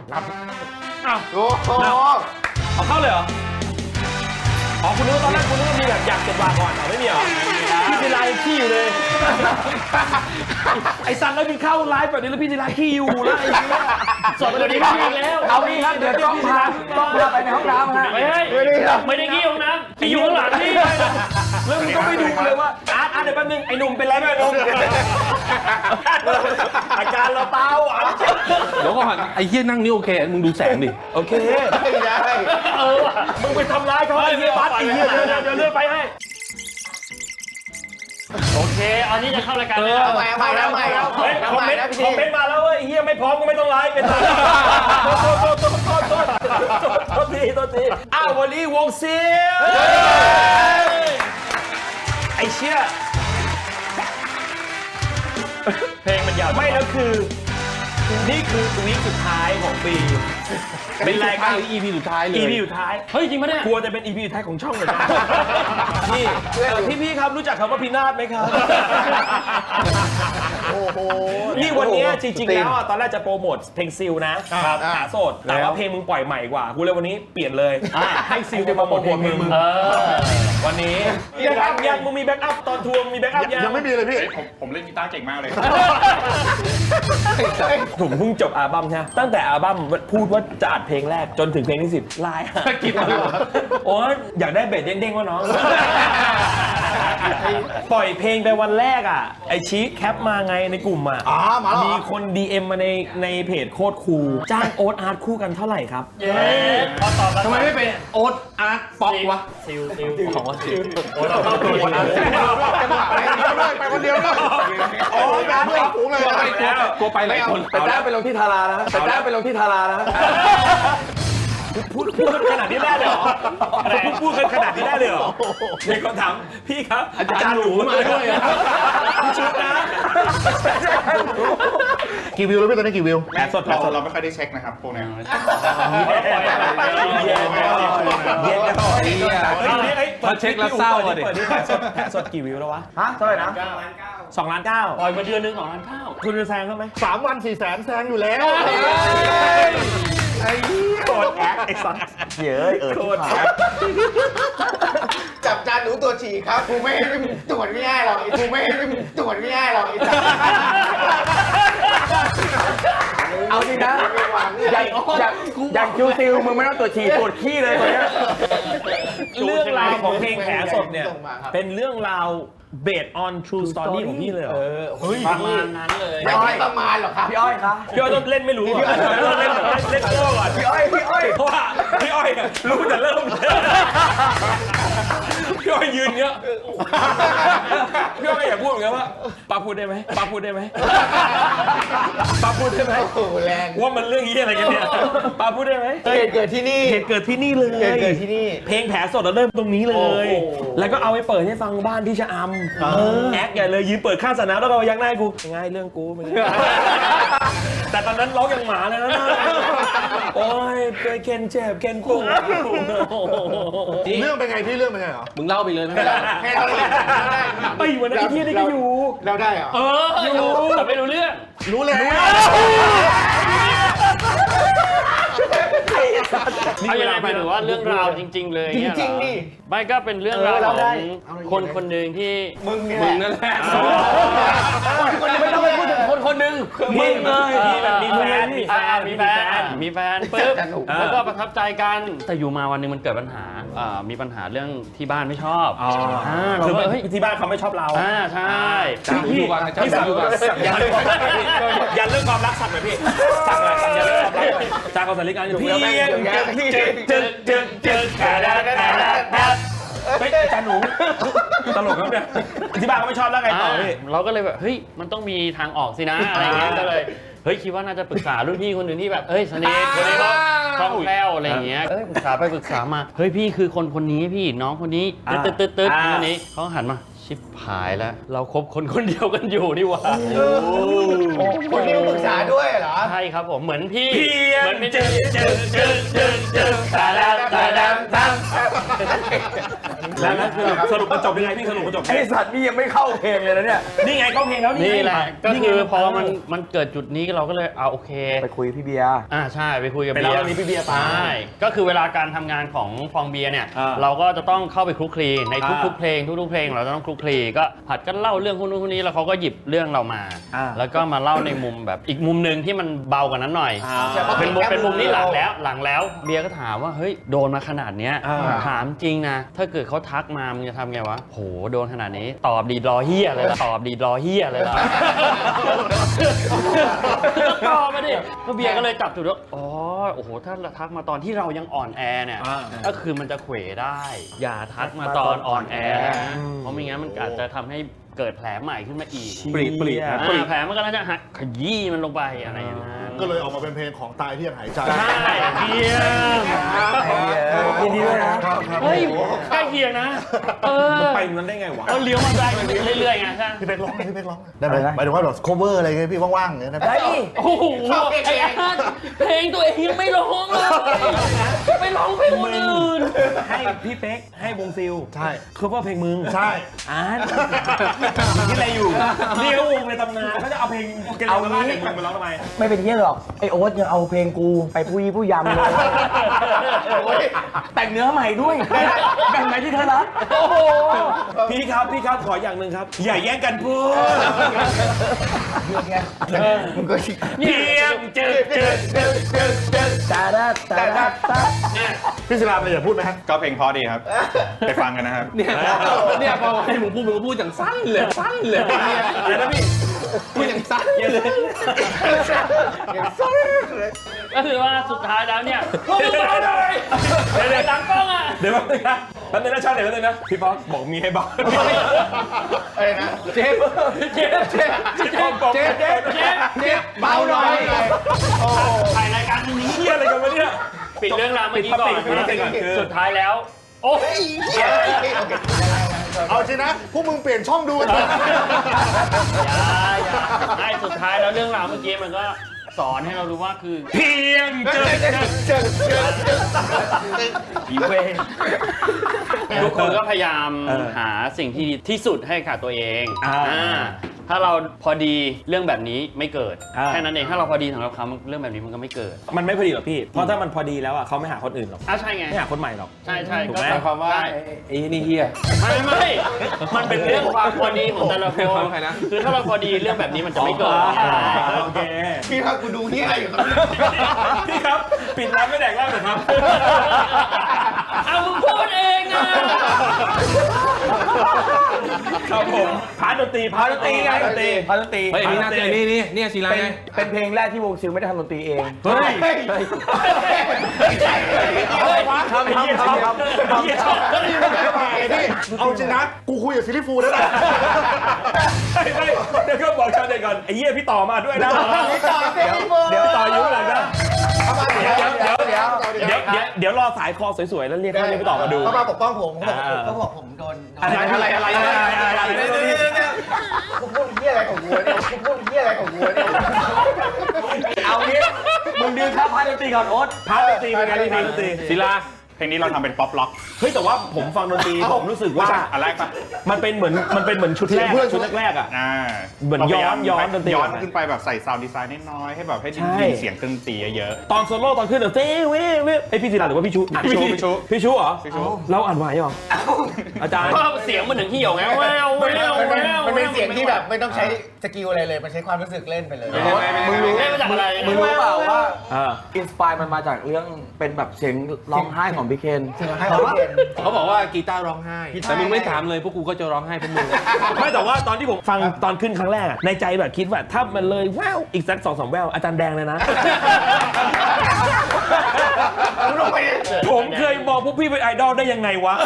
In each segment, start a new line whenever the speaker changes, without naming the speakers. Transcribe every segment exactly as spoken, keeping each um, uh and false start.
นับ
อ้าว
โอ้โห
เอาเข้าเลยเหรออ๋อคุณนึกว่าตอนแรกคุณนึกว่ามีแบบอยากเก็บวาก่อนเหรอไม่มีเหรอพี่ศิลายังขี้อยู่เลยไอ้ซันแล้วมีเข้าไลฟ์แบบนี้แล้วพี่ศิลาขี้อยู่แล้วไอ้เนี่ยสดเลยดีมากแล้ว
เอางี้ครับเดี๋ยวต้องพาต้องพาไปในห้องน้ำฮะ
ไม่ให้ไม่ได้ขี้ของน้ำขี้อยู่ข้างหลังนี่
แล้วมึงก็ไปดูเลยว่าอาร์ตอาร์ตเดี๋ยวแป๊บนึงไอ้หนุ่มเป็นไรไหมไอ้หนุ่มอาการเราเบาอ่ะ
เดี๋ยวก่อนไอ้เหี้ยนั่งนี่โอเคมึงดูแสงดิ
โอเค
ไม่ได้
เออว่ะ
มึงไปทำร้ายเขาไอ้เหี้ยบัสไอ้เหี้ยเดี๋ยวเดี๋ยวเลื่อนไปให้
โอเคอันนี้จะเข้ารายการเลย
เอาใหม่เอาใหม่เอาใหม่เอา
เฮ้ยคอมเมนต์
นะพี่
คอมเมนต์มาแล้วเว้ยไอ้เหี้ยไม่พร้อมก็ไม่ต้องไลฟ์เป็นไรโทษโทษโทษโทษโทษโทษทีโทษทีอ้าววันนี้วงซิลไอ้เชี่ย
เพลงมันยาว
ไม่แล้วคือ นี่คือวีคสุดท้ายของปี เป็นรายการ
อีพีสุดท้ายเลย
อี พีสุดท้าย
เฮ้ยจริงปะเนี่ย
กลัวจะเป็น อี พีสุดท้ายของช่องเลยนะนี่พี่พี่ครับรู้จักคำว่าพินาศไหมครับ
โอ้โห
นี่วันนี้จริงๆแล้วอ่ะตอนแรกจะโปรโมทเพลงซิลนะครับหาโสดแต่ว่าเพลงมึงปล่อยใหม่กว่ากูเลยวันนี้เปลี่ยนเลยให้ซิลมาโปรโมทเพลงมึง
เออ
วันนี้ยังยังมึงมีแบ็กอัพตอนทัวร์มีแบ็กอัพยัง
ยังไม่มีเลยพี่
ผมผมเล่นกีตาร์เก่งมากเลย
ผมเพิ่งจบอัลบั้มใช่ไหมตั้งแต่อัลบั้มพูดว่าจะอัดเพลงแรกจนถึงเพลงที่สิบไลน์กินมาโอ้ยอยากได้เบสเด้งๆวะน้องปล่อยเพลงไปวันแรกอ่ะไอชี้แคปมาไงในกลุ่มอ่ะ
อ๋อมาแล้วเหรอ
มีคน ดี เอ็ม มาในในเพจโคตรคูลจ้างโอ๊ตอาร์ตคู่กันเท่าไหร่ครับ
เย้พอตอบแล้ว
ทำไมไม่เป็นโอ๊ตอาร์ตป๊อกวะ
ซิลซิลของว่าซิล
โอ้เราเข้าตัวจังหวะไปคนเดียวเลยโอ้ยการเพื่อนฝูงเลย
กลัวไปหลายคน
แต่แต้ไปลงที่ทารานะแต่แต้ไปลงที่ทารานะ
พูดพูดขนาดนี้ได้เลยเหรอพูดพูดกันขนาดนี้ได้เลยเหรอเด็กคนถามพี่ครับอาจารย์หนูมาด้วยพี่ชุดนะ
กี่วิวแล้วพี่ตอนนี้กี่วิว
แอดสดแอ
เรา
ดสด
เราไม่ค่อยได้เช็คนะครับพวกนี้
เย็นเย็น
พอเช็คแล้วเศร้าอ่ะดิ
เปิดนี่แอดสดแอดสดกี่วิวแล้ววะ
ฮะเท่าไหร่นะ
สองล้านเก้า
ปล่อยมาเดือนหนึงสองล้านเก้า
คุณจะแซงเขาไหม
สามวันสี่แสนแซงอยู่แล้ว
ไอ้โคตรแอคไอ้สัสเย้ยเออโคตรแอค
จับจานหนูตัวฉี่ครับกูไม่ให้มึงตรวจไม่ได้หรอกกูไม่ให้มึงตรวจไม่ได้หรอกเอาจริงนะอย่างอย่างอย่างคิวซิลมึงไม่ต้องตรวจฉี่ตรวจขี้เลยตอนนี้
เรื่องราวของเพลงแผลสดเนี่ยเป็นเรื่องราว based on true story ของพี่เลยเหรอเฮ้ย
ประมาณนั้นเลย
ไม่ใช่ประมาณหรอกครับพี่อ้อยครับ
พี่อ้อยต้องเล่นไม่รู้อ่ะต้องเล่นแบบเล่นโก้ก่อน
พี่อ้อยพี่อ้อย
เพราะว่าพี่อ้อยเนี่ยรู้แต่เริ่มพี่อ้อยยืนเงี้ยพี่อ้อยอยากพูดเหมือนกันว่าป้าพูดได้ไหมป้าพูดได้ไหมป้าพูดได้ไหม
โอ้โหแรง
ว่ามันเรื่องยี่อะไรกันเนี่ยป้าพูดได้ไหม
เหตุเกิดที่นี่
เหตุเกิดที่นี่เลย
เหตุเกิดที่นี่
เพลงแผลสดเราเริ่มตรงนี้เลย แล้วก็เอาไปเปิดให้ฟังบ้านที่ชะอำแอคใหญ่เลยยืนเปิดข้างสนามแล้วก็ยักหน้าให้กูง่ายเรื่องกูไม่ได้แต่ตอนนั้นร้องอย่างหมาเลยนะโอ้ยเคยเคนเจ็บเคนกู
เรื่องเป็นไงพี่เรื่องเป็นไงเหรอ
มึงเล่าไปเลยไม่เป็นไร
ให้เราได้
ไอ้วันนั้นไอ้ที่นี่ก็อยู่
เราได้เหรอ
เอออยู่แต่ไม่รู้เรื่อง
รู้แล้ว
เอาอย่างไรไปหรือว่าเรื่องราวจริง ๆ เลย
จ
เงี้ยเหอ
ริงๆดิ
ไม่ก็เป็นเรื่องราว
เออ
ข
เรา
อง
ได้
คนคนหนึ่งที่
มึงเนี่ย
มึงนั่นแหละ
ไม่ต้องไปพูดถึงคนคนหนึ่ง
มึงเลยที่แบบมีแฟนมีแฟ
อ่าน มีแฟนมีแฟนปุ๊บ
แต่หนู
แล้วก็ประทับใจกันแต่อยู่มาวันหนึงมันเกิดปัญหาอ่ามีปัญหาเรื่องที่บ้านไม่ชอบ
อ๋อ
อ่าเรา
คือ
ก็เฮ้ย
ที่บ้านเขาไม่ชอบเรา
อ่าใช่
จำอยู่ก่อนจำอยู่ก่อน
ยันเรื่องความรักยันเรื่องความรักสั่งหน่อยพี่สั่งหน่อยสั่งยันเรื่องความรักหน่อยจากเขาสาริการพี่ยังเจอเจอเจอเจอเจอแกดาดาดาดาเฮ้ยอาจารย์หนูตลกครับเนี่ยที่บ้านเขาไม่ชอบแล้วไงต่อพี่
เราก็เลยแบบเฮ้ยมันต้องมีทางออกสินะอะไรอย่างเงี้ยก็เลยเฮ้ยคิดว่าน่าจะปรึกษารุ่นพี่คนหนึ่งที่แบบเอ้ยสนิทคนนี้เขาคล่องแคล่วอะไรอย่างเงี้ยเอ้ยปรึกษาไปปรึกษามาเฮ้ยพี่คือคนคนนี้พี่น้องคนนี้ตึ๊ดตึ๊ดตึ๊ดคนนี้เขาหันมาชิบหายแล้วเราคบคนคนเดียวกันอยู่นี่หว่า
คนนี้ปรึกษาด้วยเหรอ
ใช่ครับผมเหมือนพี่
เพียง
เหมือนพี่
เจอเจอเจอเจอเจอตาดาตาดาตาแล้วแล้วสรุปมันจบยังไงพี่สรุปมันจบ
ไอสัตว์นี่ยังไม่เข้าเพลงเลยนะเนี่ย
นี่ไงเข้าเพลงแล้วนี่
นี่แหละก็
นี่ไง
คือพอมันมันเกิดจุดนี้เราก็เลยเอาโอเค
ไปคุยพี่เบียร์
อ่าใช่ไปคุยกับ
ไป
เบี
เล่าย
ร์
เรื่องนี้พี่เบียร์ไป
ใช่ก็คือเวลาการทำงานของฟองเบียร์เนี่ย
อ่า
เราก็จะต้องเข้าไปคลุกคลีใน
อ่า
ทุกๆเพลงทุกๆเพลงเราจะต้องคลุกคลีก็ผัดกันเล่าเรื่องคนนู้นคนนี้แล้วเขาก็หยิบเรื่องเรามา
อ่า
แล้วก็มาเล่าในมุมแบบอีกมุมหนึ่งที่มันเบากว่านั้นหน่อย
อ่า
เป็นมุมเป็นมุมนี้หลังแล้วหลังแล้วเบียร์ก็ถามว่าเฮ้ยโดนมาขนาดเนี้ย
อ่า
ถามจริงนะถ้าเกิดเขาทักมามึงจะทำไงวะโหโดนขนาดนี้ตอบดีรอเฮียเลยล่ะตอบดีรอเฮียเลยล่ะ ก็ตอบมาดิก็เบียร์ก็เลยจับจุดว่าอ๋อโอ้โหถ้าทักมาตอนที่เรายังอ่อนแอเนี่ย
อ่า
ก็คือมันจะเขวได้ อย่าทักมาตอนอ่อนแอนะเพราะไม่งั้นมันอาจจะทำให้เกิดแผลใหม่ขึ้นมาอีก
ปรีดปรีด
อ่าแผลมันก็น่าจะหักขยี้มันลงไปอะไรอย่างนั้น
ก็เลยออกมาเป็นเพลงของตายที่ยังหายใจ
ใช่เบียร์
ยินดีด้วยนะ
เฮ้ยใกล้เคียงนะเออ
ไปนั้นได้ไงวะ
เราเลี้ยวมาได้เรื่อยๆไงใช่
พี่เป๊กร้องไหมพี่เป๊กร้องไหมได้ไหมหมายถึงว่าแบบ cover อะไรเงี้ยพี่ว่างๆอย่างเงี้ยได้ไหม
ได้ดิ
โอ้โหไอ้อาร์ตเพลงตัวเองยังไม่ร้องเลยไปร้องเพลงคนอื่น
ให้พี่เป๊กให้วงซิล
ใช่
คือว่าเพลงมึง
ใช่
อาร์ตคิดอะไรอยู่นี่เขาวงในตำนานเขาจะเอาเพลงเกลียวมาล่าเด็กมึงมาร้องทำไม
ไม่เป็นเยี่ยหรอกไอโอ๊ตยังเอาเพลงกูไปผู้ยี่ผู้ยำเลยแต่งเนื้อใหม่ด้วยแบ่งไหนที่เธอรัก
โอ้โห
พี่ครับพี่ครับขออย่างหนึ่งครับ อย่าแย่งกันพูด
มึงก็
เพียงเจอเจอเจอเจอเจอ
ตาดาตาดาตา
พี่ศิลาเลยอย่าพูดไหมฮะ
ก็เพลงเพอดีครับ ไปฟังกันนะครับ
เนี่ยเนี่ยพอให้มึงพูดมึงก็พูดอย่างสั้นเลยสั้นเลย
อะไรนะพี่
พูดอย่างสั้นเลย
ก็คือว่าสุดท้ายแล้วเนี่ยพวกมึงเบาหน่อยเดี๋ยวหลังกล้องอ่ะ
เดี๋ยวแป๊บนึงนะแป๊บนึงนะชาติเดี๋ยวแป๊บนึงนะพี่ป๊อกบอกมีให้เบา
อะไรนะ
เจ็บเจ็บเจ็บเจ็บเจ็บเจ็บเจ็บเจ็บ
เบาหน่อย
ถ่ายรายการตรงนี้
เฮียอะไรกันวะเนี่ย
ปิดเรื่องราวเมื่อกี้ก่อน
ปิดท็อปิกก่อนคือ
สุดท้ายแล้ว โอ้ย
เอาจริงนะพวกมึงเปลี่ยนช่องดูกัน
อย่าอย่าไอ้สุดท้ายแล้วเรื่องราวเมื่อกี้มันก็สอนให้เรารู้ว่าคือ
เพียงเจอเจอเจอ
อีเวทุกคนก็พยายาม
เออ
หาสิ่งที่ดีที่สุดให้กับตัวเอง
อ่า
อ่าถ้าเราพอดีเรื่องแบบนี้ไม่เกิด
อ่า
แค่นั้นเองถ้าเราพอดีสำหรับเขาเรื่องแบบนี้มันก็ไม่เกิด
มันไม่พอดีหรอกพี่ เพราะถ้ามันพอดีแล้วอ่ะเขาไม่หาคนอื่นหรอก
อ่ะใช่ไง
ไม่หาคนใหม่หรอก
ใช่ใช่
ถูก
ก็
ไหม
หมายความว่า
ไอ้นี่เฮีย
ไม่ไม่มันเป็นเรื่องความพอดีของแต่ละค
เป็นความ
น
ใครนะ
คือถ้าเราพอดีเรื่องแบบนี้มันจะไม่เกิด
โอเค
พี่ครับกูดูนี่อะไรอยู่ครับ
พี่ครับปิดร้านไม่แดกเหล้าเหรอครับ
เอามึงพูดเองนะ
ครับผมพาร์ทดนตรีพาร์ทดนตรีไงดนตรี
พาดนตรี
เฮ้ยอันนี้น่าเจอนี่นี่เนี่ยศิลา
เป็น
ไง
เป็นเพลงแรกที่วงซิลไม่ได้ทำดนตรีเอง
เฮ้ย
ทำทำทำทำ
เฮียชอบ
เอาจริงนะกูคุยกับซิลิฟูแล้วนะ
ไม่ไม่เดี๋ยวก็บอกชาวเน็ตก่อนไอ้เหี้ยพี่ต่อมาด้วยนะ
เดี๋ยว
พี่ต่ออยู่หลังนะ
เข้ามาเดี๋ยวเดี๋ยวเดี๋ยวเดี๋ยว
เดี๋ยวเดี๋ยวเดี๋ยวรอสายคอสวยๆแล้วเรียกให้พี่ต่อมาดู
เขามาปกป้องผมเขาบอก
อ่า
เขาบอกผมโดน
อะไรอะไรอะไรอะไรอะไรอะไร
กูพูดเหี้ยอะไรของกูเนี่ยกูพูดเหี้ยอะไรของกูเนี่ยเอางี้มึงดึงค่าพาดนตรีก่อนโอ๊ต
พาร์ทดนตรีเป็นไงพี่พาร์ทดนตรี
ศิลา เพลงนี้เราทำเป็นป๊อปล็อก
เฮ้ยแต่ว่าผมฟังดนตรีผมรู้สึกว่า
อันแรกปะ
มันเป็นเหมือนมันเป็นเหมือนชุดแรกชุดแรกๆอ่ะ
อ่า
เหมือนย้อนย้อนดนตรี
ย้อนขึ้นไปแบบใส่ซาวด์ดีไซน์น้อยๆให้แบบให้
ใช่
ได้ยินเสียงเครื่องดนตรีเยอะ
ตอนโซโล่ตอนขึ้นเดี๋ยวเต้เว้ยเว้ยไอพี่ศิลาหรือว่าพี่ชู
พี่ชูพี่ชู
พี่ชูเหรอ
พี่ชู
เราอ่านไหวเหรออาจารย์
ก็เสียงมันถึงที่หยงไงแววแวว
มัน
แว
เป็น
ว
มันเป็นเสียงที่แบบไม่ต้องใช้สกิลอะไรเลย มันใช้ความรู้สึกเล่นไปเลย
มึงรู้ได้มาจากอะไร
มึงรู้เปล่าว่า
อ่า
อินสปายมันมาจากเรื่องเป็นแบบเสียงร้องไห้ของพี่เคนเสียงร้องไห้ของพี่เคน
เขาบอกว่ากีตาร์ร้องไห้ แต่มึงไม่ถามเลยพวกกูก็จะร้องไห้พวกมึง
ไม่แต่ว่าตอนที่ผมฟังตอนขึ้นครั้งแรกอะในใจแบบคิดว่าถ้ามันเลยแววอีกสักสองสามแววอาจารย์แดงเลยนะ ผมเคยบอกพวกพี่เป็นไอดอลได้ยังไงวะ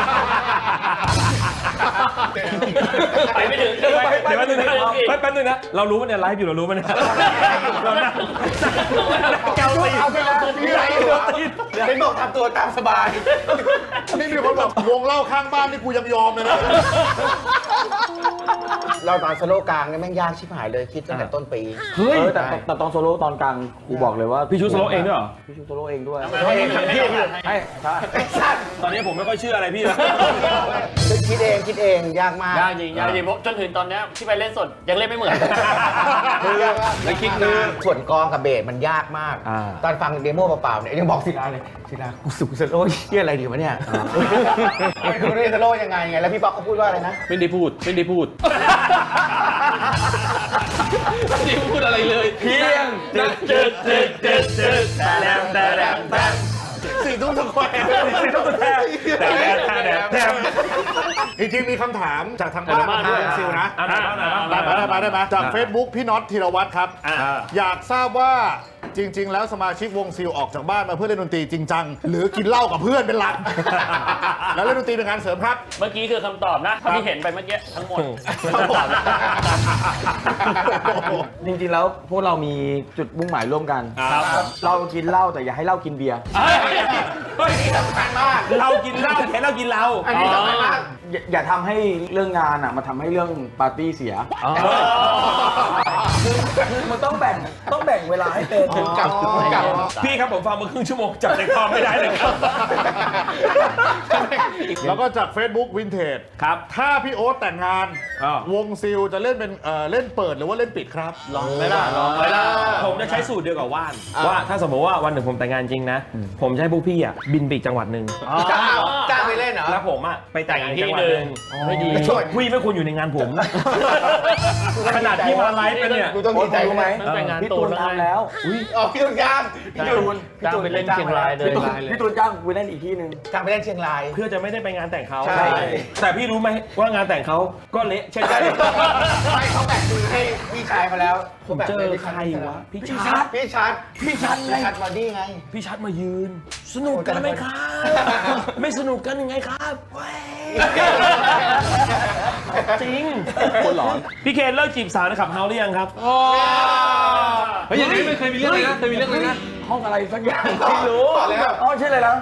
ไปไม่ถึง
เดี๋ยวแป๊บนึงนะแป๊บนึงนะเรารู้มันเนี่ยไลฟ์อยู่เรารู้มันเนี่ยเราหน้าแก้วตี
เอาไปแล้วพี่ไร
เดี๋ยวตี
เป็นบอกทำตัวตามสบาย
นี่มีคนบอกวงเล่าข้างบ้านนี่กูยังยอมเลยนะ
เราตอนโซโล่กลางเนี่ยแม่งยากชิบหายเลยคิดตั้งแต่ต้นปี
เฮ้ย
เออแต่แต่ตอนโซโล่ตอนกลางกูบอกเลยว่า
พี่ชูโซโล่เองด้วยเหรอ
พี่ชูโซโล่เองด้วย
ทำไมไม่ได้ไม่ได้
ให้ใช่
ตอนนี้ผมไม่ค่อยเชื่ออะไรพี่แล้ว
คิดเองคิดเองยากมาก
ยากจริงยากจริงเพราะจนถึงตอนเนี้ยที่ไปเล่นสดยังเล่นไม่เหมือน
แล้วคิดนานส่วนกองกับเบสมันยากมาก
อ่า
ตอนฟังเดโมเปล่าๆเนี่ยยังบอกศิลาเลยศิลากูสุกสโลว์เฮียอะไรดีวะเนี่ยคือเรียนสโลว์ยังไงไงแล้วพี่ป๊อกเขาพูดว่าอะไรนะ
ไม่ได้พูดไม่ได้พูดไม่ได้พูดอะไรเลย
เพียงเจ็ดเจ็ดเจ็ดเจ็ดเจ็ดแต่แรมแต่แรมแต่
สี่ทุ่มสแควร์
สี่ทุ่มแทบแต่แรมแต่แรมแทบ
จริงๆมีคำถามจากทางบ้านมาทางซิลนะ
เอาหน่อยเอาหน่อยเอาหน่
ได้
อย
ไหมได้ไหมได้ไหมจาก Facebook พี่น็อตธีรวัตรครับ อยากทราบว่าจริง ๆ แล้วสมาชิกวงซิลออกจากบ้านมาเพื่อเล่นดนตรีจริงจังหรือกินเหล้ากับเพื่อนเป็นหลัก แล้วเล่นดนตรีเป็นงานเสริมครับ
เมื่อกี้คือคำตอบนะที่เห็นไปเมื่อกี้ทั้งหมด
จริงๆแล้วพวกเรามีจุดมุ่งหมายร่วมกัน
ครับ
เรากินเหล้าแต่อย่าให้เหล้ากินเบียร์
เฮ้ยสำคัญมากเรากินเหล้าแค่เรากินเรา
อันนี้สำคัญมาก
อย่าอย่าทำให้เรื่องงานอ่ะมาทำให้เรื่องปาร์ตี้เสียคือมันต้องแบ่งต้องแบ่งเวลาให้เป็น
ถึงกลับถึงกลับ
พี่ครับผมฟังมาครึ่งชั่วโมงจับใจความไม่ได้เลยครับ
แล้วก็จาก Facebook Vintage
ครับ
ถ้าพี่โอ๊ตแต่งงาน
อ้าว
วงซิลจะเล่นเป็นเอ่อเล่นเปิดหรือว่าเล่นปิดครับ
ลองไหมล่ะลองไหมล่ะ
ผมจะใช้สูตรเดียวกับว่าน ว่าถ้าสมมติว่าวันหนึ่งผมแต่งงานจริงนะ ผมจะให้พวกพี่อ่ะบินไปอีกจังหวัดหนึ่ง
จ้างจ้างไปเล่นเหรอ
แล้วผมอ่ะไปแต่งงานอีกจังหวัดหนึ่ง
ไม่ดี
พี่ไม่ควรอยู่ในงานผมนะขนาดที่มาไลฟ์กันเนี่ย
กูต้องดีใจ
รู้ไหม
ตั้งแต่งาน
พี่
ตู
ตู
น
น
แล้วไง
ทำแล้ว
อ๋อพี่ตูนจ้าง
พี่ตูนจ้างไปเล่นเชียงรายเลย
พี่ตูนพี่ตูนจ้างกูไปเล่นอีกที่หนึ่ง
จ้างไปเล่นเชียงราย
เพื่อจะไม่ได้ไปงานแต่งเขา
ใช่
แต่พี่รู้ไหมว่างานแต่งเขาก็เละเช่นกัน
ไม่เขาแบ่งมือให้พี่ชายเขาแล้ว
ผมเจอใครวะพี่
พี่
ชั
ชั
ด
ดพี่ชัดพี่ชัดพี่ชัดบอดี้ไง
พี่ชัดมายืน สนุกกันไหมครับ ไม่สนุกกันยังไงครับเว้ยจริง
คนหลอน
พี่เคนเลิกจีบสาวในขับเฮาหรือยังครับ
เฮ้ยอย่างนี้ไม่เคยมีเรื่องเลยนะเคยมีเรื่องเลยนะ
ห้องอะไรสักอย่างไม่รู้
บอกแล้ว
อ๋อใช่เลยนะ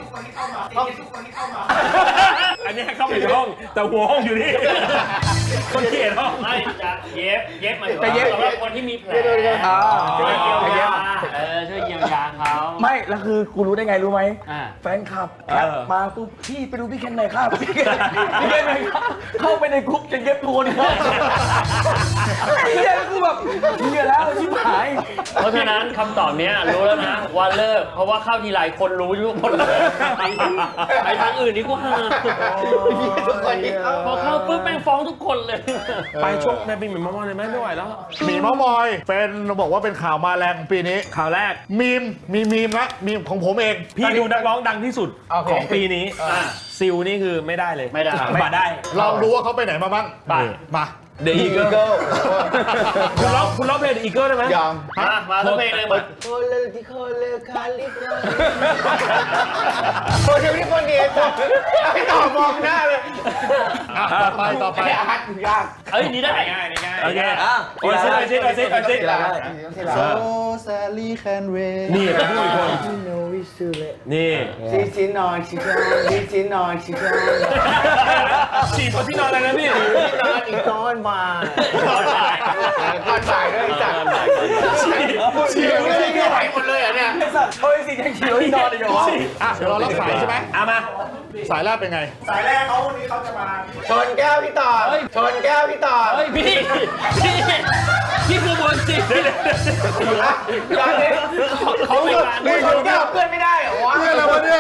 อันนี้เข้าไปในห้อง แต่หัวห้องอยู่นี่ คนเขียนห้อง
ไม่จะเย็บเย็บหมายถึง
แต่เย็บ
สำหรับคนที่มีแผล
อ่า
ช่วยเยียวยา
เย็บ
เออช่วยเยียวยาเขา
ไม่แล้วคือกูรู้ได้ไงรู้ไหม
อ่า
แฟนคลับแคปมาปุ๊บพี่ไปดูพี่เคนหน่อยครับพี่เคนพี่เคนหน่อยครับเข้าไปในกรุ๊ปจะเย็บโคนครับไอ้เหี้ยคือแบบเหี้ยแล้วชิบหาย
เพราะฉะนั้นคำตอบเนี้ยรู้แล้วนะว่าเลิกเพราะว่าเข้าทีไรคนรู้ทุกคนเลยไปทางอื่นนี่กูห่า
ทุกคนที่เข้า
พอเข้าปุ๊บแม่งฟ้องทุกคนเลย
ไปช่วงในปีเหมือนมอมเลยไหมไม่ไหวแล้ว
หมีเมามอยเป็นบอกว่าเป็นข่าวมาแรงปีนี้
ข่าวแรก
มีมมีมีมละมีมของผมเอง
พี่ดูนักร้องดังที่สุด
โอเค
ของปีนี้ ซิลนี่คือไม่ได้เลย
ไม่ได้
มาได้
ลองดูว่าเขาไปไหนมาบ้าง
ไป
มา
เดอะอีเกิลคุณร้องคุณร้องเพลงเดอะอีเกิลได้ไหม
ยอม
มามาสักเพลงเลยมา
โคเลที่โคเลคาลิฟอร์โคเลที่คนเดียวไม่ตอบมองหน้าเลย
อ่ะต่อไปต่อไป
ไอ้อาร์ตยาก
เอ้ยนี่ได้
ง่ายง่ายโอเค
อ่ะ
โอ้ยซิโอ้ยซิโอ้ยซิโอ้ยซิ
ทีละทีละ
แซลลี่แคนเวย์
นี่เป็นผู้อีกคน
You know we should let
นี่
ซีซีนอนชิคานซีซีนอนชิคาน
ฉีดคนที่นอนอะไรนะพี่
ซีนอนอีกตอนบ่ายตอนบ่ายตอนบ่ายด้วยจ้ะ
ฉีด
เชียร์ไม่ได้ไหวหมดเลยอ่ะเนี่ย
ไอ้สัตว์เฮ้ยสิยังเขียวที่นอนเลยเหรอวะ
อ่ะเดี๋ยวเรารับสายใช่ไหม
เอามา
สายแรกเป็นไง
ชนแก้วพี่ต่อชนแก้วพี่ต่อ
เฮ้ยพี่พี่พี่คือเมืองจริง
ตอนนี้
เขาไม่การ
ไม่ชนแก้วเพื่อนไม่ได้เหรอวะ
เรื่องอะไรวะเนี่ย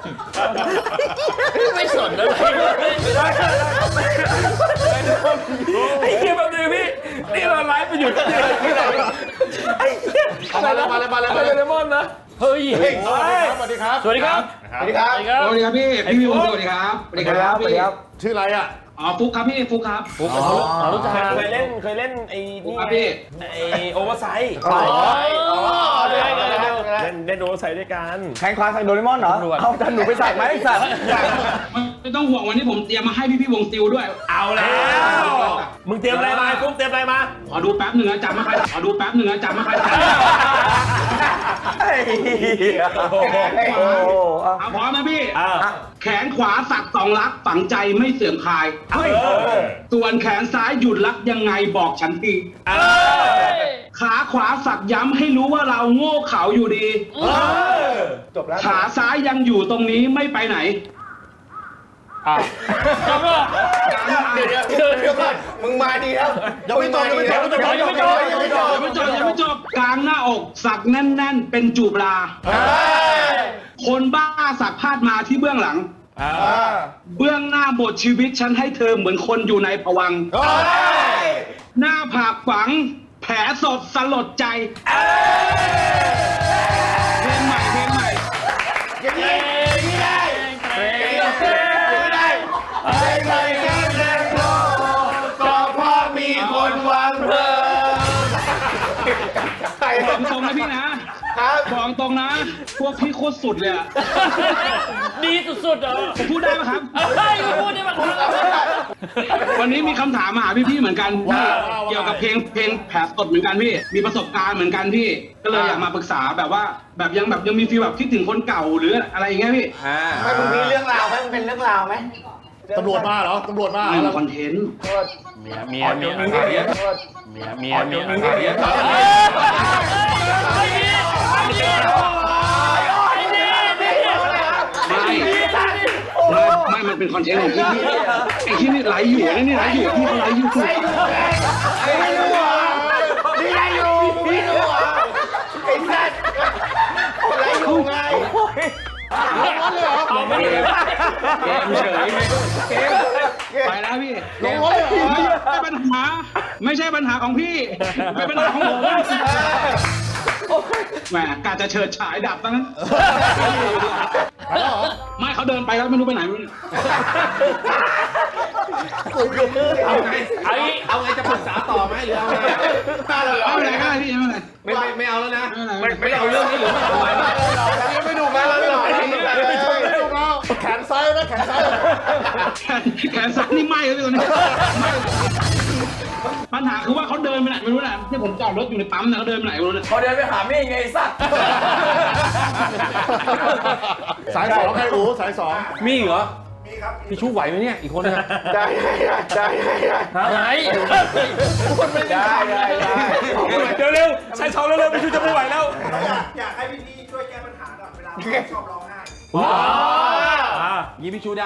ไม่สนอะไร
ไอ้เหี้ยแบบนี้พี่ นี่เราไลฟ์ไปอยู่ที่ไหนที่ไหนไอ้เหี้ย
มาเลยมาเลยมาเลย
อะ
มา
ไร
เลย
เลมอนนะ
เฮ้ย
สวัสดีครับ
สวัสดีครับ
สวัสดีครับ
สวัสดีครับ
สวัสดีครับพี่ พี่วิวสวัสดีครับ
สวัสดีครับสวัสดีครับ
ชื่ออะไรอ่ะ
อ๋อฟุกครับพี่ฟุกครับ
อ๋อรู้จัก
เคยเล่นเคยเล่นไอ้
ฟุก
นี่
ครับพี่
ไอ้โอเวอร์ไซส์
อ๋ออ๋อได้ได้ได้
เล่นเล่นโอเวอร์ไซส์ด้วยกัน
แข่งคลาใส่โดเรมอนเหรอ เอาจันหนูไปใส่ไหมไอ้สัตว์
ไม่ต้องห่วงวันนี้ผมเตรียมมาให้พี่พี่ๆวงซิลด้วย
เอาแล้ว มึงเตรียมอะไรมาไอ้ฟุ๊กเตรียมอะไรมา
ขอดูแป๊บหนึ่งนะจำไม่ค่อยได้ขอดูแป๊บหนึ่งนะจำไม่ค่อยได้
ไอ้เหี้ยโอ้โหอ่ะ
เอาพร้อมนะพี่
อ่า
แขนขวาสักสองลักฝังใจไม่เสื่อมคลาย
เฮ้ย
ส่วนแขนซ้ายหยุดรักยังไงบอกฉันที
เออ
ขาขวาสักย้ำให้รู้ว่าเราโง่เขลาอยู่ดี
จบแล้ว
ขาซ้ายยังอยู่ตรงนี้ไม่ไปไหน
อ่ะแล้วก็
เดี๋ยวเดี๋ยวเดี๋ยวเดี๋ยวก่อนมึงมาดีแล้ว
ยังไม่จบยังไม่จบยังไม่จบ
ยังไม่จบยังไม่จบยังไม่จบกลางหน้าอกสักแน่น ๆ เป็นจูบลา คนบ้าสักพาดมาที่เบื้องหลัง เบื้องหน้าบทชีวิตฉันให้เธอเหมือนคนอยู่ในภวังค์หน้าผากฝังแผลสดสลดใจเพลงใหม่เพลงใหม่
อย่างนี้อย่างนี้ได้อย่างนี้ได้ไม่เคยคิดเลยก็เพราะมีคนวางเพลิงใคร
บอกตรงนะพี่นะบอกตรงนะ พวกพี่โคตรสุดเลยอะ
ดีสุดๆเหรอ
ผมพูดได้ไหมครับ
เฮ้ยไม่พูดได้ไหม
วันนี้มีคำถามมาหาพี่ๆเหมือนกันเกี่ยวกับเพลงเพลงแผลสดเหมือนกันพี่ มีประสบการณ์เหมือนกันพี่ ก็เลยอยากมาปรึกษาแบบว่าแบบยังแบบยังมีฟีลแบบคิดถึงคนเก่าหรืออะไรอย่างเงี้ยพี่
ไม่มึงมีเรื่องราวไหมมันเป็นเรื่องราวไหม
ตำรวจมาเหรอตำรวจมา
ไม่มีคอนเทนต์
เมียเมียเมียเมียเมียเมียเมียเมีย
ไม่ไม่มันเป็นคอนเทนต์ของพี่พี่ไอ้ที่นี่ไลฟ์อยู่นี่นี่ไลฟ์อยู่พี่เขาไลฟ์อยู่ถูก
ไม่รู้เหรอนี่ได้อยู่พี่รู้เหรอไอ้สัตว์อะไรอยู่ไง
เอาไม่ได้
เกมเฉยไปแล้วพี่
ลงรถเลยเหรอ
ไม่ใช่ปัญหา ไม่ใช่ปัญหาของพี่เป็นปัญหาของผมแหมกาจะเฉิดฉายดับซะงั้นไม่เขาเดินไปแล้วไม่รู้ไปไหนไม่รู้
เอาไงเอาไงเอาไงจะปรึกษาต่อไหมหรือเอาไง
ไม่เป็นไรก็ได้พี่ไม่เป็นไร
ไม่ไม่ไม่เอาแล้วนะ
ไม่เป็นไร
ไม่เอาเรื่องนี้หรือไม่เอาไว้
ยังไม่ดูมาแล้วไม่ดูมาแขนซ้ายนะแขนซ้าย
แขนแขนซ้ายนี่ไหม้แล้วพี่ตอนนี้ปัญหาคือว่าเขาเดินไปไหนไม่รู้แหละที่ผมจอดรถอยู่ในปั๊มนะเขาเดินไปไหนไม่รู้เนี่ย
พอเดินไปหามี่ไงไอ้สัตว์
สายสองใครอู๋สายสอง
มีเหรอมีครับพี่ชูไหวไหมเนี่ยอีกคนนึง
ได้ได้ได้
อะไร
ได้ได้ได้
เดี๋ยวเร็วใช้เช้าเร็วๆไปช่วยจะไม่ไหวแล้ว
อยากให้พี่ๆช่วยแก้ปัญหาหน่อยเวลาชอบร้องไห้
อ่า
ยี่พี่ชูได้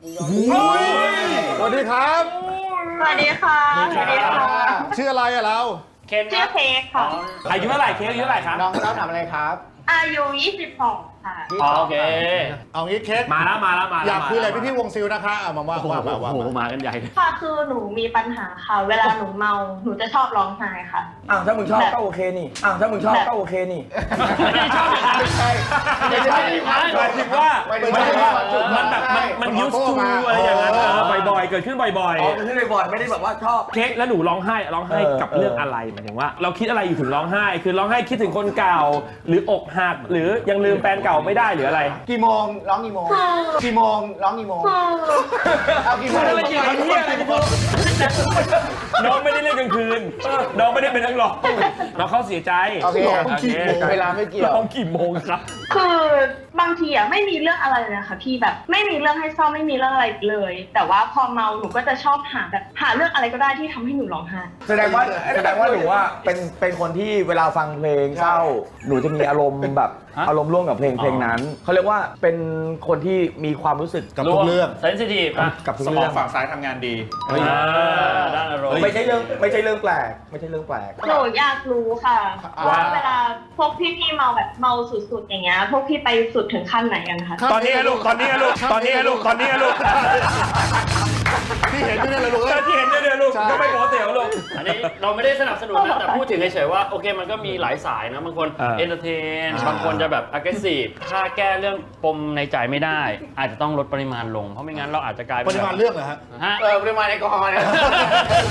สวัสดีครับ
สวัสดีค่ะ สวัสดีค่ะ
ชื่ออะไรอะเรา
เคนค
ชื่อ
รับ
เค้กค่ะ
อายุเท่าไหร่เค้กอายุเท่าไหร่ครับ
น้องน้องทำอะไรครับ
อายุยี่สิบสองค่ะ
อ๋อโอเค
เอางี้เค้ก
มาแล้วมาแล้วมาแล้ว
อยากคุยอะไรพี่พี่วงซิลนะคะเอามาว่าว่าว่าว่า
โอ้โหมากันใหญ่เลย
ค่ะ คือหนูมีปัญหาค่ะ เวลาหนูเมา หนูจะชอบร้องไห้ค่ะ
อ้าวถ้ามึงชอบก็โอเคนี่อ้าวถ้ามึงชอบก็โอเคนี่
ไม่ได้ชอบอย่างนั้น
ไม่ใช่ไม่ใช่
หมายถึงว่า
ไม่
หมายถึงว่า
ไม่
มันแบบมันมันยูสทูอะไรอย่างนั้นเออบ่อยๆ เกิดขึ้นบ่อย
อ๋อมันขึ้นบ่อยๆไม่ได้แบบว่าชอบ
ๆ เค้กแล้วหนูร้องไห้ร้องไห้
เออ
กับ
เออ
เรื่องอะไรหมายถึงว่า เราคิดอะไรอยู่ถึงร้องไห้ คือร้องไห้คิดถึงคนเก่า หรืออกหักหรือยังลืมแฟนเก่าไม่ได้หรืออะไร
กี่โมงร้องกี่โมงกี่โมงร้องกี่โมงเอากี่โมง
อะไรเกี่ยวกับเหี้ยอะไรกูน้องไม่ได้เล่นกลางคืนน้องไม่ได้เป็นนักร้องน้องเขาเสียใจ
โอเค
โอเค
เวลาไม่เกี่ยว
ร้องกี่โมงครับ
คือบางทีอ่ะไม่มีเรื่องอะไรเลยนะคะพี่แบบไม่มีเรื่องให้เศร้าไม่มีเรื่องอะไรเลย แต่ว่าพอเมาหนูก็จะชอบหาแบบหาเรื่องอะไรก็ได้ที่ทำให้หนูร้องไห้
แสดงว่าแสดงว่าหนูว่าเป็นเป็นคนที่เวลาฟังเพลงเศร้า หนูจะมีอารมณ์แบบ
ฮะ
อารมณ์ร่วมกับเพลงเพลงนั้นเขาเรียกว่าเป็นคนที่มีความรู้สึก
กับทุกเรื่อง
เซนซิทีฟอ่ะ
กับทุก
สมอ
เรื่
ง
อง
ฝั่งซ้ายทำงานดี
อ่าด้านอารมณ์
ไม่ใช่เรื่องไม่ใช่เรื่องแปลก ไม่ใช่เรื่องแปลก
หนูอยากรู้ค่ะ
ว่า
ว่าเวลาพวกพี่ๆเมาแบบเมาสุดๆอย่างเงี้ยพวกพี่ไปสุดถึงขั้นไหนกันคะ
ตอนนี้อะลูกตอนนี้อะลูกตอนนี้อะลูกตอนนี้อะลูก
ที่เห็นอยู่เนี่ยเลยลูก
แต่ที่เห็นเนี่ยเนี่ยลูกก็ไม่ปกติของลูก
อันนี้เราไม่ได้สนับสนุนนะแต่พูดถึงเฉยๆว่าโอเคมันก็มีหลายสายนะบางคน
อ่า
เอนเตอร์เทนบางคนจะแบบ aggressive ถ้าแก้เรื่องปมในใจไม่ได้ อาจจะต้องลดปริมาณลงเพราะไม่งั้นเราอาจจะกลาย
ป
เป็น
ริมาณเรื่องเหรอฮะ
ฮะ
เออปริมาณแอลกอฮอล์เนี่ย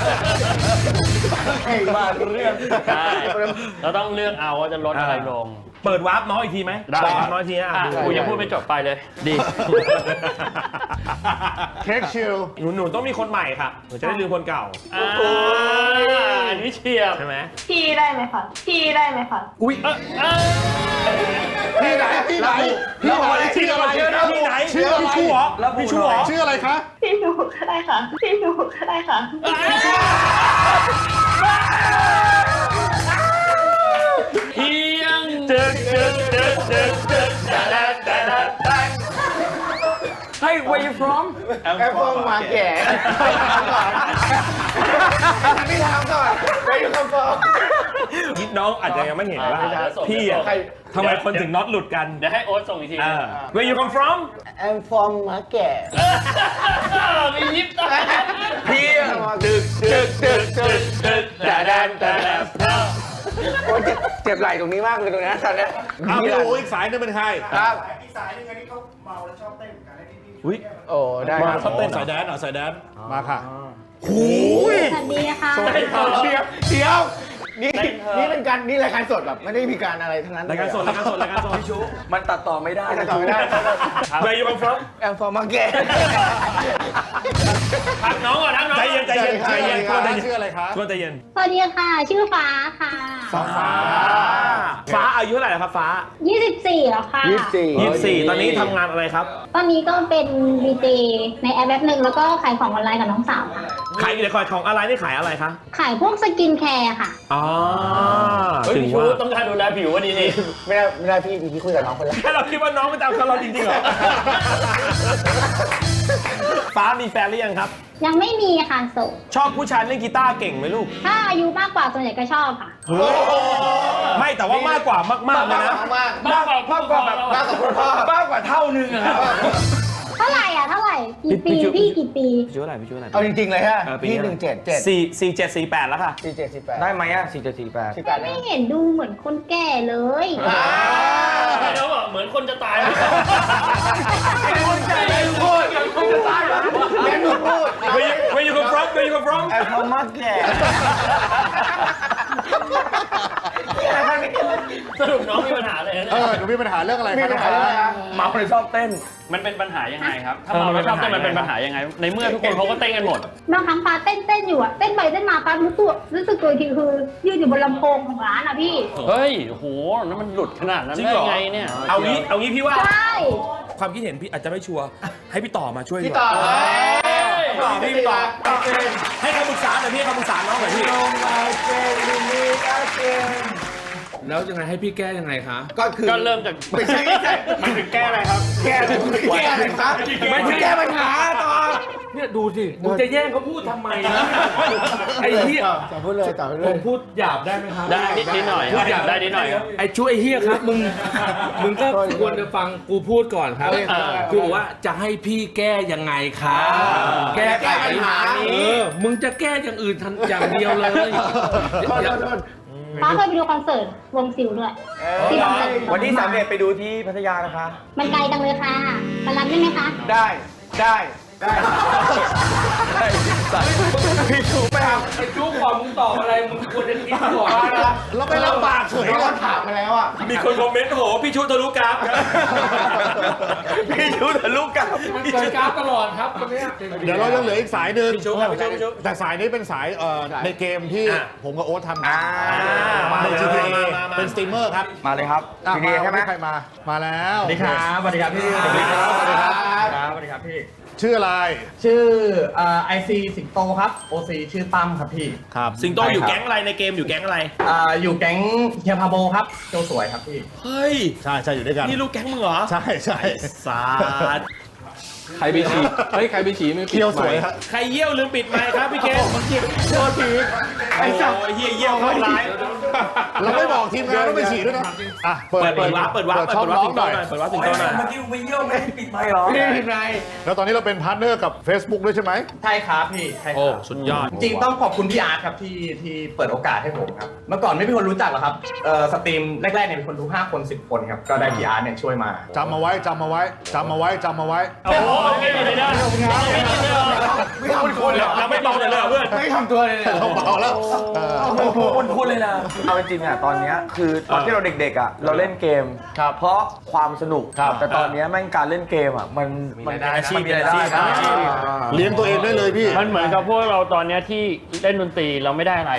มาเรื่อง
ใช่เราต้องเลือกเอาว่าจะลดอะไรลง
เปิดวาร์ปน้อยอีกทีไหม
ได้
เปิวาร์ปน้อยอีกทีนะ
อ่ะ
ดู
กูยังพูดไม่จบไปเลย ดี
เค้กชิล
หนูหนูต้องมีคนใหม่ค่ะหนูจะได้ลืมคนเก่า
อ่าอันนี้เฉียบ
ใช่ไหม
พี่ได้ไหมคะพี่ได้ไหมคะ
อุ้ย
เออเออ
พี่ไหนพี่ไหนพี่ไหนชื่ออะไร
ที่ไหน
ชื่ออะไร
พี่ชูเหรอพี่ชูเหรอ
ชื่ออะไรคะ
พี่หนูก็ได้ค่ะพี่หนูก็ได้ค่ะ
เพียงเดินเดินเดินเดินเดินเดินเดินเดิน
ให้ where you from
แอปเปิลมาแก่พี่ถามก่อนไปดูคำตอบ
คิดน้องอาจจะยังไม่เห็นว่าพี่อ่ะทำไมคนถึงน็อตหลุดกัน
เดี๋ยวให้โอ๊ตส่งอีกที
อ่า Where you come from
แอมฟอร์มมาแก่
มียิบตา
พี่
ดึกดึกดึกดึก
เดินแต่แดนแต่แดน
โอ้ยเจ็บเจ็บไหล่ตรงนี้มากเลยตรงนี้ตอนนี้
อ้าวพี่โออีกสายนึงเป็นใคร
ครับ
อีกสายหนึงอันนี้เขาเมาแล้วชอบเต้นกันให้พี่พี่
อุ้ย
โอ้ได้ครับ
ชอบเต้นสายแดนเหรอสายแดนมาค่ะ
สวัสดีค่ะ
เดี๋ยวเดี๋ยวนี่นี่เป็นการนี่รายการสดแบบไม่ได้มีการอะไรทั้งนั้น
รายการสดรายการสดรายการสด
มันตัดต่อไม่ได้
รายการสดไม่ได้
Where you come from
แอมฟอร์มมาแก่
ทักน้องก่อนทักน้อง
ใจเย็นใจเย็นใจเย็น
ใคร
ใจ
คะ
เย็น
ชื่ออะไรคะ
ชวนใจเย็น
สวัสดีค่ะชื่อฟ้าค่ะ
ฟ้า
ฟ้าอายุเท่าไหร่แล้วครับฟ้า
ยี่สิบสี่แล้วค่ะ
ยี่สิบสี่
ยี่สิบสี่ตอนนี้ทำงานอะไรครับ
ตอนนี้ก็เป็นวีเจในแอปแอปหนึ่งแล้วก็ขายของออนไลน์กับน้องสาวค่ะ
ขายอยู่ในคอยของอะไรนี่ขายอะไรคะ
ขายพวกสกินแคร์ค่ะ
อ๋อ
เฮ้ย
ถึง
พี่ชู
ว่า
ต้องการดูแลผิววันนี้นี่
ไม่ได้ไม่ได้พี่พี่คุยกับน้องคนละ
แค่เราคิดว่าน้องมันจะเอากับเราจริงๆเหรอ ฟ้ามีแฟนหรือยังครับ
ยังไม่มีค่ะโสด
ชอบผู้ชายเล่นกีตาร์เก่งไหมลูก
ถ้าอายุมากกว่าส่วนใหญ่ก็ชอบค่ะ
ไม่แต่ว่ามากกว่ามากๆเลยนะ
มาก
มากกว่าม
ากกว่าแบบมากกว่าคุณพ่อ
มากกว่าเท่านึงอะครับ
เท่าไหร่อ่ะเท่าไหร่กี่ปี
พี่จุ๊บ
พี่กี่ปี
พี่ชูอะไรพี่ชูอะไร
เอาจริงๆเลยฮะ
เออปี
พี่
นี้
หนึ่งเจ็ดเจ็ด
สี่สี่เจ็ดสี่แปดแล้วค่ะ
สี่เจ็ดสี่แปด
ได้ไหมอ่ะสี่เจ็ดสี่แปด
สี่แปด
ไม่เห็นดูเหมือนคนแก่เลย
แล้วแบบเหมือนคนจะตาย
คนแก่เลยพูดคนจะตายแล้วแม่หนูพูด
Where you Where you come from Where you come from
แอมฟอร์มมาแก่
สรุปน้องมีปัญหาเลยนะ
เออหนูมีปัญหาเรื่องอะไร
มี
คะ
ปัญหาอะไรนะ
เมาเลยชอบเต้น
มันเป็นปัญหายังไงครับ ถ้า
เออ
เมา
มั
แล้ว
น
ช
เป็
อบ
น
เต้น
ปัญหา
มันเป็นปัญหายังไง ในเมื่อทุกคนเขาก็เต้นกันหมด
บางครั้งฟ้าเต้นเต้นอยู่อะเต้นไปเต้นมาฟ้ารู้ตัวรู้สึกตัวอีกทีคือยืนอยู่บนลำโพงของร้านอะพี่
เฮ้ยโหนั่นมันหลุดขนาดนั้น
จริง
ได้
เหรอ
ไงเนี่ย
เอางี้เอางี้พี่ว่า
ใช่
ความคิดเห็นพี่อาจจะไม่ชัวร์ให้พี่ต่อมาช่วย
พี่
ดีก
ต่อ
ว่า
เอ้ย
พี่ต่อพี่พี่ต่อให้คำปรึกษาหน่อยพี่ให้คำปรึกษาน้องหน่อยพี่
แล้วยังไงให้พี่แก้ยังไงคะ
ก็คือ
ก็เริ่มจาก
ไม่ใช่ไม่ใช่
มันถึงแก้อะไรครับ
แก้แก้อะไรครับไม่ใช่แก้ปัญหาต่อ
เนี่ยดูสิมึงจะแย่งเขาพูดทำไมนะไอ้เหี้ย
ต่อพูดเลยต่อเล
ผ
ย
มพูดหยาบได้ไหมครับ
ได้นิดนิดหน่อย
พูดหยาบ
ได้นิดหน่อยครับ
ไอ้ช่วยเฮียครับมึงมึงก็ควรจะฟังกูพูดก่อนครับ
เออ
กูบอกว่าจะให้พี่แก้ยังไงครับแก้ไข
แก้ปัญหา
เออมึงจะแก้อย่างอื่นทันอย่างเดียวเลย
โทษโทษโทษ
ฟ้าเคยไปดูคอนเสิร์ตวงซิลด้วยที่คอนเสิร์ต
วันที่สามเอ็ดไปดูที่พัทยานะคะ
มันไกลจังเลยค่ะมารับได้ไหมคะ
ได้ได้ได้
พี่ชูไปครับ
ไอ้จุ๊กก่อนมึงตอบอะไรมึงควรจะคิดก่อน
เราไม่ลำบากเฉย
เรา
เรา
ถามมาแล้วอ่ะ
มีคนคอมเมนต์โหพี่ชูทะลุกราฟครับ
พี่ชูทะลุกับ
มันเกินกราฟตลอดครับคนเนี้ย
เดี๋ยวเรายังเหลืออีกสายหนึ่ง
พี่ชูครับพี่ชูพี่ชู
แต่สายนี้เป็นสายเอ่อในเกมที่
อ่ะ
ผมกับโอ๊ตทำ
อ่า
มา
ใน
เลย
จี
มามามามา
เป็นสตรีมเมอร์ครับ
มาเลยครับ
อ่ะ
ที
มา
ดีใช่ไหม
วันนี้ใครมา มาแล้ว
สวัสดีครับสวัสดีครับพี่
สวัสดีครับสวัสดีครับ
ครับสวัสดีครับพี่
ชื่ออะไร
ชื่อไอซีสิงโตครับโอซีชื่อตั้มครับพี่
ครับ
สิงโตอยู่แก๊งอะไรในเกมอยู่แก๊งอะไร
อ่าอยู่แก๊งเฮียพาโบครับโจสวยครับพี่
เฮ้ย
ใช่ใช่อยู่ด้วยกัน
นี่ลูกแก๊งมึงเหรอ
ใช่ใช่
สาด
ใครไปฉี่เฮ้ยใครไปฉี่ไม่
เคี้ยวสวยฮะ
ใครเยี่ยวลืมปิดไมค์ครับพี่เคนโทษทีโอ้ยเฮียเยี่ยวเข้าร้าย
เราไม่บอกทีมงานต้องไปฉีดด้วยนะอ่ะ
เปิดเปิดวาร์ปเปิดวาร์ป
เปิดช่อง
เปิดวาร์ป
น้อง
สิง
ห
โต
น่อย
หน่อยเปิดวาร์ปสิงโตหน่อย
เมื่อกี้ไปเยี่ยมไม่ปิดไมค์หรอ
ไม่เป็นไร
แล้วตอนนี้เราเป็นพาร์ทเนอร์กับ Facebook ด้วยใช่ไหม
ใช่ครับพี่ใช่ค
โอ้
รับ
สุดยอด
จริงๆต้องขอบคุณพี่อาร์ตครับที่ที่เปิดโอกาสให้ผมครับเมื่อก่อนไม่มีคนรู้จักหรอกครับเอ่อสตรีมแรกๆเนี่ยมีคนดูห้าคนสิบคนครับก็ได้พี่อาร์ตเนี่ยช่วยมา
จำมาไว้จำมาไว้จำมาไว้จำมาไว้
โอ้โหไม่มีเลยนะ
ไม่ท
คุณแล้ว
เราไม่เบาเลยเหรอเพื่อน
ไม่ทำตัวเลยเนี่ย
เราเบาแล้ว
คุณคุณเลยนะเอาจริงๆอ่ะตอนเนี้ยคือตอนที่เราเด็กๆอ่ะเราเล่นเกมเพราะความสนุกแต่ตอนเนี้ยแม่งการเล่นเกมอ่ะมันมันมีอาชีพมีรายได้นะ
เลี้ยงตัวเองได้เลยพี่
มันเหมือนกับพวกเราตอนเนี้ยที่เล่นดนตรีเราไม่ได้อะไร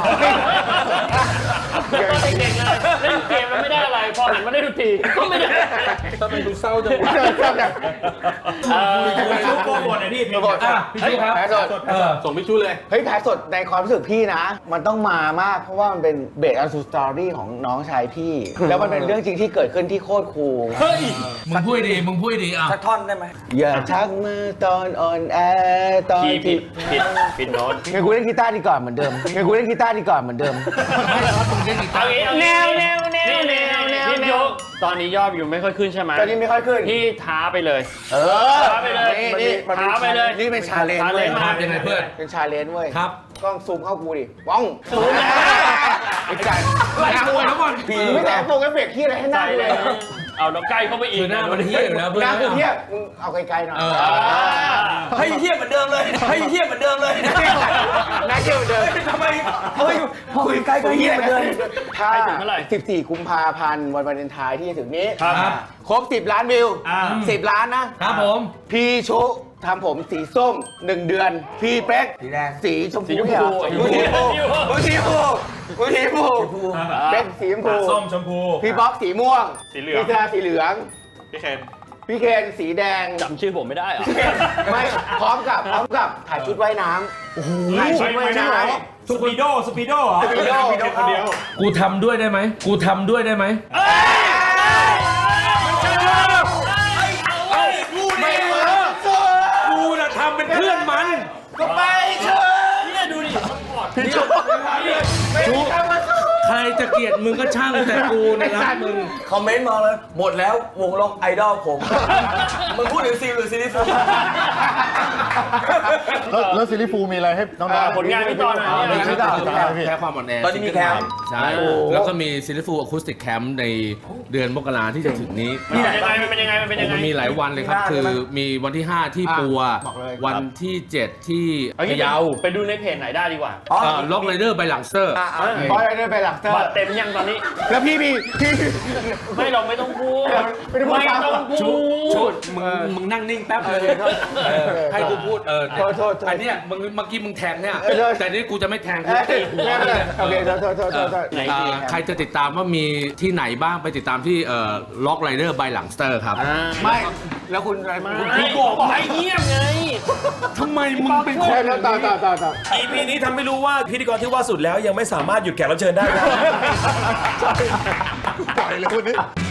ตอนเด็กๆเลยเล่นเกมเราไม่ได้อะไรพอหันมาเล่นดนตรีก็ไม่ได้
ทำไมดูเศร้าจังวะ
เออ
ลูกโป่งหมดเลยพี่เพลง
อ่ะพี่ชูครับ
แพ้สด
เออส่งพี่ชูเลย
เฮ้ยแพ้สดในความรู้สึกพี่นะ มันต้องมามากเพราะว่ามันเป็นเบสอันซูสตอรี่ของน้องชายพี่ แล้วมันเป็นเรื่องจริงที่เกิดขึ้นที่โคตรคูล
เฮ้ย
มึงพูดดีมึงพูดดีอ่ะ
สักท่อนได้ไหม
อย่าทักมาตอนอ่อนแอตอน
ผิดผิ
ที่
ดผิดผิดโน้ต
งั้นกูเล่นกีตาร์ดีก่อนเหมือนเดิมงั้นกูเล่นกีตาร์ดีก่อนเหมือนเดิม
เอางี้เอางี้
แนวแนวแนว
นี่
แนวแนว
พี่
แน
ยว กตอนนี้ยอดอยู่ไม่ค่อยขึ้นใช่ไหม
ตอนนี้ไม่ค่อยขึ้น
พี่ท้าไปเลย
เออ
ท้าไปเลย
นี่
ท้าไปเลย
นี่เป็นชาเลนจ์
ท้า
เว้
เลย ยมา
ยังไงเพื่อน
เป็นชาเลนจ์เว้ย
ครับ
กล้องซูมเข้ากูดิป้องซูมไอ้จ่าย
ไล่ตัวทั้งหมด
ผีไม่แต่โฟกัสเฟกที่อะไรให้หน้า
ใช่
เล
เลย ยเอาแล้วใกล้เข้าไปอีก
คือหน้ามันเหี้ยอยู่แล้วเพื่อน
หน้ากูเทียบมึงเอาไกลๆหน่อย
เออ
ให้เทียบเหมือนเดิมเลยให้เทียบเหมือนเดิมเลย
หน้าเทียบเหมือนเดิม
ทำไมเฮ้ยพอใกล้ๆก็เทียบเหมือนเดิม
ถ้า
ไปถึงเมื่อไหร่
สิบสี่กุมภาพันธ์วันวาเลนไทน์ที่จะถึงนี้
ครับ
ครบสิบล้านวิวสิบล้านนะครับ
ผม
พี่ชุทำผมสีส้มหนึ่งเดือน พี่เป๊ก
สีแดง
สีชมพู
สีชมพู
เนี่ยกูสีชมพูกูสีชมพูกูสีชมพูเป๊กสีชมพู
ส้มชมพู
พี่บ๊อกสีม่วง
สีเหลือง
พี่แซาสีเหลือง
พี่เคน
พี่เคนสีแดง
จำชื่อผมไม่ได้เหรอ
ไม่พร้อมกับพร้อมกับถ่ายชุดว่ายน้ำถ่ายชุดว่ายน้ำ
สปีโดสปีโดเหรอ
สปีโด
คนเดียว
กูทำด้วยได้ไหมกูทำด้วยได้ไหม
ไม่เวิร์ก
กูน่ะทำเป็นเพื่อนมัน
ก็ไปเถอะ
เนี่ยดูดิ
ไม่มีใครมาสู้
ใครจะเกลียดมึงก็ช่างแต่กูเนะรักมึง
คอมเมนต์มาเลยหมดแล้ววงล็อกไอดอลผม มึงพูดถึงซีหรือซีรีส์
แล้วแล้วซิลิฟูมีอะไรให้น้องๆ
ผลงานพี่ตอนไหน
อ่า
เนี่ย
ไม่ใช่ต่างๆพี่
แค่ความอ่อนแอ
ตอนนี้มีแคมป์
ใช่ แล้วก็มีซิลิฟูอะคูสติกแคมป์ในเดือนมกราที่จะถึงนี้
มันเป็นยังไงมันเป็นยังไงมันเป็นยังไง
มันมีหลายวันเลยครับ คือมีวันที่ ห้า ที่ปัว วันที่ เจ็ด ที่
เอา
พะ
งี้
เยา
ไปดูในเพจไหนได้ดีกว่า
ล็อกไรเดอร์ไปหลังเซอร์
บอยเดินไปหลักเตอ
บัต
ร์
รเต็มยังตอนนี้
แล้วพี่พี่พี่
ไม่เราไม่ต้องพูด
ไม่ต้องพูด
ไม่ต้องพู
ชุ
ด
ดมึงมึงนั่งนิ่งแป๊บเลยให้กูพูดเออ
โทษโทษ
อันเนี้ยมึงเมื่อกี้มึงแทงเนี่ย
เออโทษ
แต่นี่กูจะไม่แทงกู
เอ้ย
ตีหัว
ไม่เป็นไรโอเคโทษโทษโทษโทษโทษ
ไหน
อ่าใครจะติดตามว่ามีที่ไหนบ้างไปติดตามที่เอ่อล็อกไรเดอร์บายหลังสเตอร์ครับ
ไม่แล้วคุณอะไร
พี่บอกบอกให้เงียบไง
ทำไมมึงเป็นค
ใช่
น
แล้วต่อต่อต่อต่อ
อีพีนี้ทำให้รู้ว่าพิธีกรที่ว่าสุดแล้วยังไม่สามารถหยุดแขกรับเชิญได้นะ
ปล่อยเลยวันนี้